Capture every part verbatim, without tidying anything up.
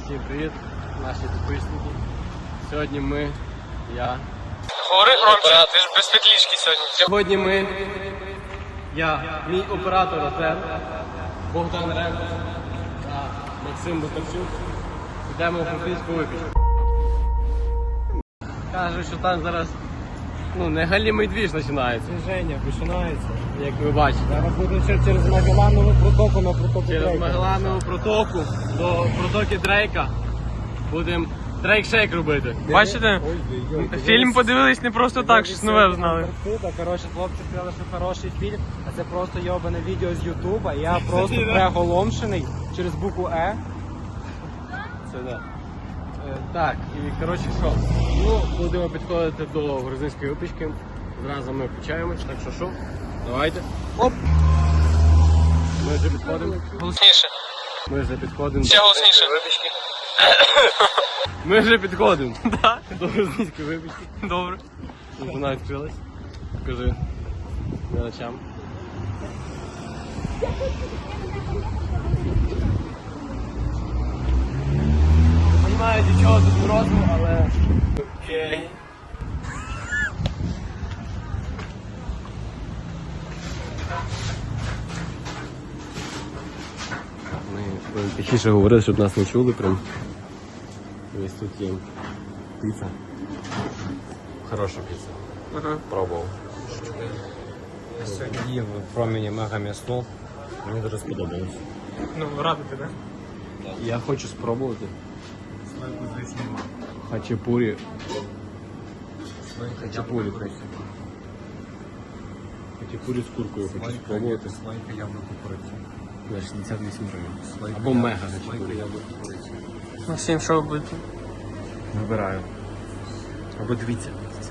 Всім привіт, наші підписники. Сьогодні ми, я... Говори громче, ти ж без петлічки сьогодні. Сьогодні ми, я, мій оператор Артем, Богдан Ренко та Максим Бутарчук. Йдемо в Франківську випічку. Кажуть, що там зараз ну, не галімий двіж починається. Движення починається. Як ви бачите. Зараз будемо через Магелланову протоку на протоку Через Дрейка. Магелланову протоку до протоки Дрейка будемо дрейк-шейк робити. Бачите? Ой-ой-ой. Фільм подивились не просто так, щось нове знали. Антарктида. Коротше, хлопці сказали, що хороший фільм, а це просто йобане відео з Ютуба. Я просто приголомшений через букву Е. Це да. Е, так, і коротше що? Ну, будемо підходити до грузинської випічки. Зразу ми включаємось, так що що? Давайте. Оп! Ми вже підходимо. Голосніше. Ми вже підходимо. Ще голосніше. Випічки. Ми вже підходимо. Да. До грузинської випічки. Добре. Вона відкрилась. Покажи глядачам. Не розумію, для чого тут морозиво, але... Окей. Ми будемо тихіше говорити, щоб нас не чули прям. Ось тут є піца. Хороша піца. Ага. Пробував. Сьогодні їв в промені мега м'ясно. Мені дуже сподобалось. Ну, радий тебе. Я хочу спробувати. Хачапурі. Хачапурі просто. Хачапурі з куркою хочу спробувати. Слайка яблуко куриці. За шістдесят вісім гривень. Або мега хачапурі. яблуко куриці. Максим, що ви будете? Вибираю. Або дивіться.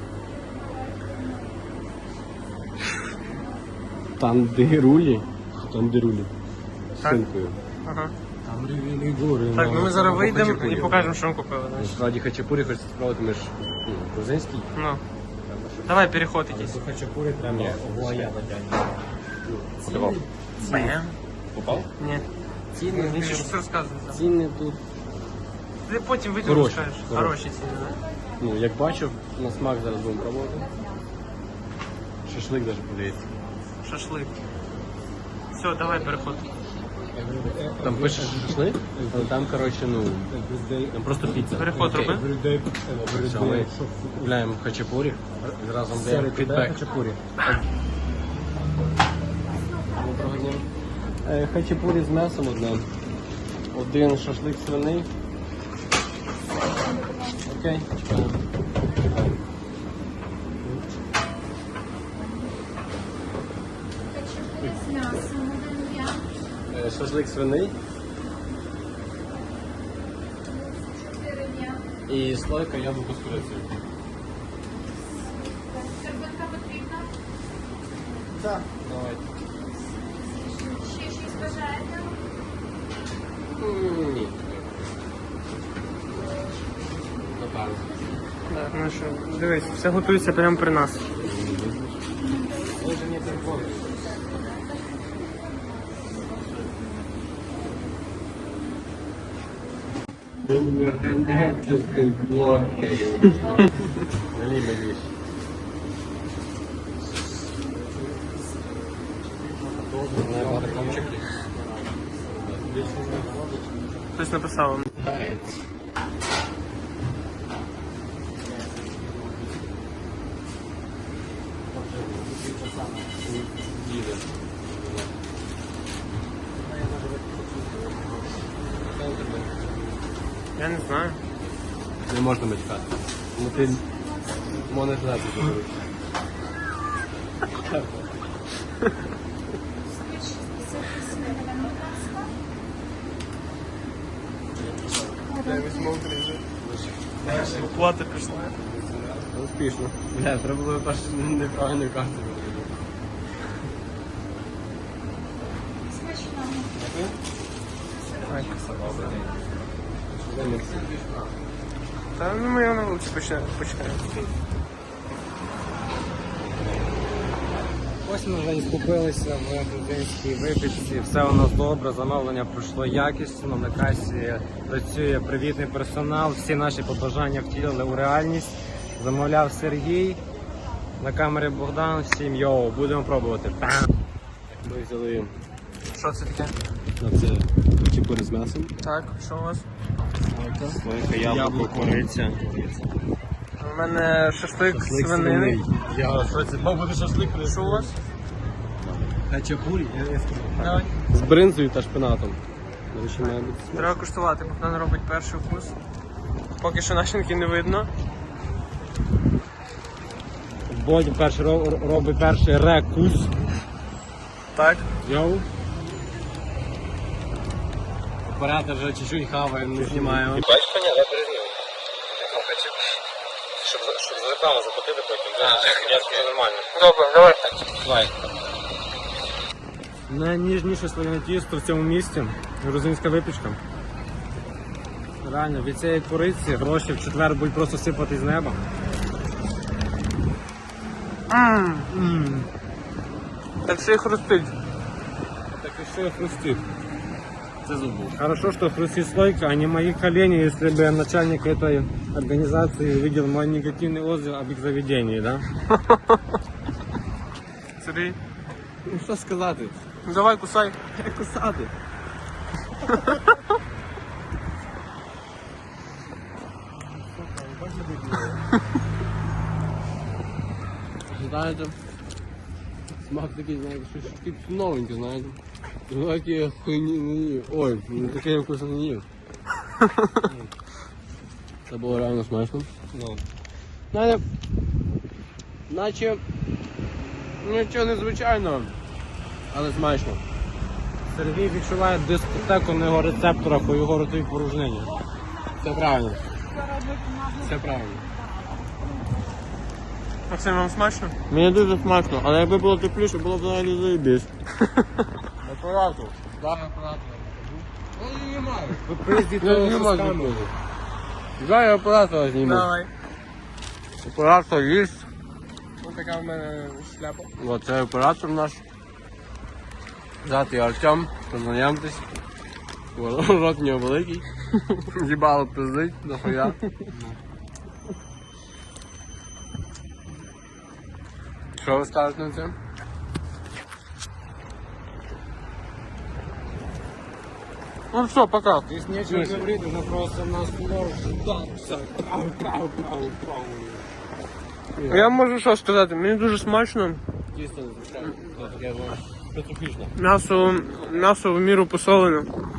Тандирулі. Тандирулі. З Так. шинкою. Ага. Там рівні гори. Так, ну ми зараз Або вийдемо хачапурі. і покажемо, що ми купили. знаєш. Насправді хачапурі хочеться спробувати, ми ж ну, грузинський. Ну. Давай переход якийсь. До хачапурі треба оглая водяні. Подавав. Бем. Попав? Ні. Ціни, Він ще все розказує. сам. ціни тут. Ти потім вийдемо Хороші, скажеш. хороші. Хороші ціни, так? Ну, як бачив, на смак зараз будемо пробувати. Шашлик навіть подивіться. Шашлик. Все, давай переход. Там пише шашлик, але там, коротше, ну, там просто піца. Переход роби. Все, ми купляємо хачапурі, разом даємо фідбек. Хачапурі. Доброго дня. Е, Хачапурі з м'ясом одне. Один шашлик свиний. Окей, чекаємо. З м'ясом один я, Е, Шашлик свиний чотири я. і слойка яблуко з курицею. Серветка потрібна. Так. Давайте. Ще щось бажаєте? М, Ні. Напевно. Так, ну що, дивись, все готується прямо при нас. Може не телефон. Налей вещь. Хтось написав. Я не знаю. Не можна мечкати. Ну ти монетизацію зробиш. Оплата пішла. Успішно. Бля, треба було перше неправильну карту. Смачного. Та ну ми його на вулиці почнемо. почнемо. Ось ми вже і скупилися в грузинській випічці. Все у нас добре, замовлення пройшло якісно. На касі працює привітний персонал. Всі наші побажання втілили у реальність. Замовляв Сергій. На камері Богдан. Всім йоу, будемо пробувати. Ми взяли Що це таке? на це чіпури з м'ясом. Так, що у вас? Слойка, яблуко, кориця. У мене шашлик свинини. Я що це? Мав бути шашлик. Що у вас? Хачапурі? Давай. З бринзою та шпинатом. До речі, має бути. Треба куштувати, Богдан робить перший вкус. Поки що начинки не видно. Бодя перший ро- робить перший рекус. Так. Йоу. Оператор вже чуть-чуть хаває, не знімає. Бачиш, коня, я перезніму. Щоб, щоб за рекламу заплатити потім. Я скажу нормально. Добре, давай. Давай. Найніжніше слоєне тісто в цьому місті. Грузинська випічка. Реально, від цієї куриці гроші в четвер будуть просто сипати з неба. Ммм. Так ще й хрустить. Так і що хрустить? Це зубу. Хорошо, что хрустит слойка, а не мои колени, если бы начальник этой организации увидел мой негативный отзыв об их заведении, да? Сергій. Ну що сказати? Ну давай, кусай. Як кусати? Знаєте, смак такий, знаєте, щось таке новеньке, знаєте. Знаєте, хуйні не їв. Ой, ну таке я вкусно не їв. Це було реально смачно. Ну. Знаєте, наче нічого незвичайного, але смачно. Сергій відчуває дискотеку на його рецепторах у його ротовій порожнині. Це правильно. Це правильно. Максим, вам смачно? Мені дуже смачно, але якби було тепліше, було б взагалі заєбісь. Оператор. Так, оператор. Ну, не маю. Ви приїздите Я не з можу камерою. бути. Дай я оператора зніму. Давай. Оператор є. Ось така в мене шляпа. Оце оператор наш. Звати Артем, познайомтесь. Рот у нього великий. Їбало пиздить, дохуя. Що ви скажете на це? Ну все, пока. Здесь нечего говорить, уже просто нас Я можу що сказати, мені дуже смачно. Дійсно, звичайно. Це таке воно специфічне. М'ясо, м'ясо в міру посолене.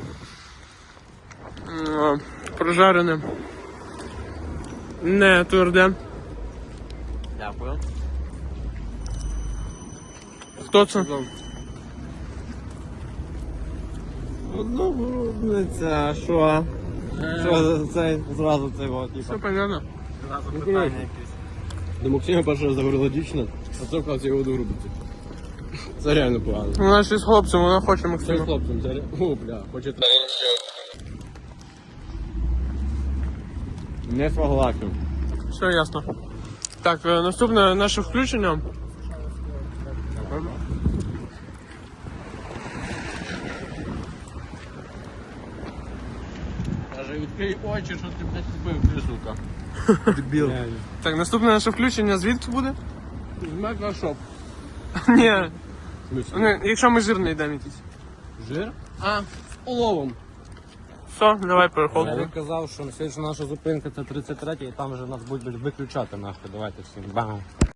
М, Прожарене. Не тверде. Дякую. Хто це? Ну, грудниця, що? Що це зразу це от, Все типа. понятно. До Максима першого заговорила дівчина, а це вказує його до грудниці. Це реально погано. Вона ще з хлопцем, вона хоче Це з Максима. хлопцем, це реально. О, бля, хоче так. Не согласен. Все ясно. Так, е, наступне наше включення. Каже, відкрий очі, що ти, блядь, купив, ти, сука. Дебіл. Так, наступне наше включення звідки буде? З Мегашоп. Ні. Ну, якщо ми жир не йдемо якийсь. Жир? А, з уловом. Все, давай Я переходимо. би казав, що слідча наша зупинка це тридцять третя і там вже нас будуть виключати нахуй. Давайте всім бам.